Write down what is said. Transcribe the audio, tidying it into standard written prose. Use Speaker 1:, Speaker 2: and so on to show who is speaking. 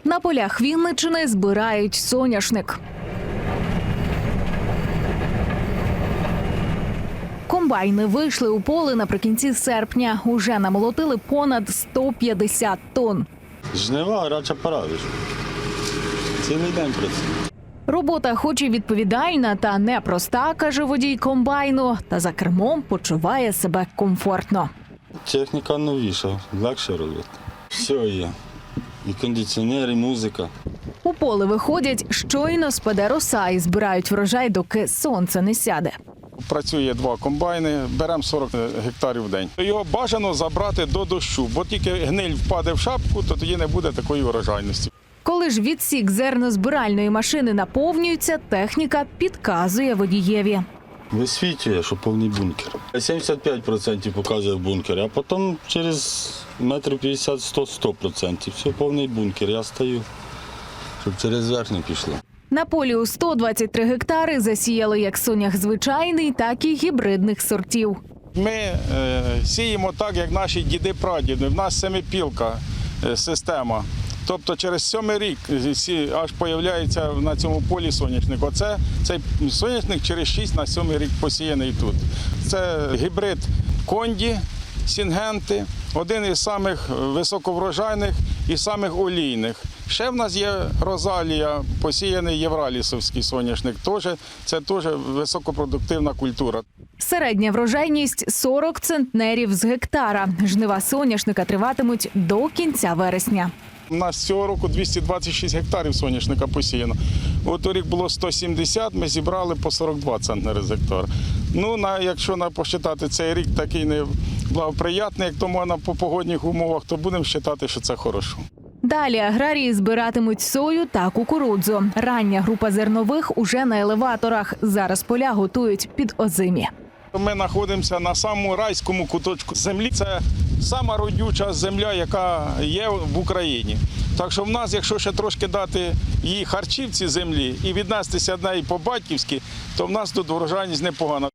Speaker 1: На полях Вінниччини збирають соняшник. Комбайни вийшли у поле наприкінці серпня. Уже намолотили понад 150 тонн.
Speaker 2: Жнива, гаряча пора. Цілий день працює.
Speaker 1: Робота хоч і відповідальна та непроста, каже водій комбайну, та за кермом почуває себе комфортно.
Speaker 2: Техніка новіша, легше робити. Все є. І кондиціонер, і музика.
Speaker 1: У поле виходять, щойно спаде роса і збирають врожай, доки сонце не сяде.
Speaker 3: Працює 2 комбайни, беремо 40 гектарів в день. Його бажано забрати до дощу, бо тільки гниль впаде в шапку, то тоді не буде такої урожайності.
Speaker 1: Коли ж відсік зернозбиральної машини наповнюється, техніка підказує водієві.
Speaker 2: Висвітлює, що повний бункер. 75% показує в бункері, а потім через метрів 50-100 – 100%. Все, повний бункер. Я стою, щоб через верх не пішло.
Speaker 1: На полі у 123 гектари засіяли як сонях звичайний, так і гібридних сортів.
Speaker 3: Ми сіємо так, як наші діди-прадіди. В нас семипілка система. Тобто через 7-й рік аж з'являється на цьому полі соняшник. Цей соняшник через 6 на 7-й рік посіяний тут. Це гібрид Конді, Сінгенти, один із самих високоврожайних і самих олійних. Ще в нас є Розалія, посіяний євралісовський соняшник. Це теж високопродуктивна культура.
Speaker 1: Середня врожайність – 40 центнерів з гектара. Жнива соняшника триватимуть до кінця вересня.
Speaker 3: У нас цього року 226 гектарів соняшника посіяно. Торік було 170, ми зібрали по 42 центнери з гектара. Якщо посчитати цей рік такий неблагоприятний, як то можна по погодних умовах, то будемо вважати, що це хорошо.
Speaker 1: Далі аграрії збиратимуть сою та кукурудзу. Рання група зернових уже на елеваторах. Зараз поля готують під озимі.
Speaker 3: Ми знаходимося на самому райському куточку землі. Це сама родюча земля, яка є в Україні. Так що в нас, якщо ще трошки дати їй харчів цій землі і віднестися до неї по-батьківськи, то в нас тут врожайність непогана.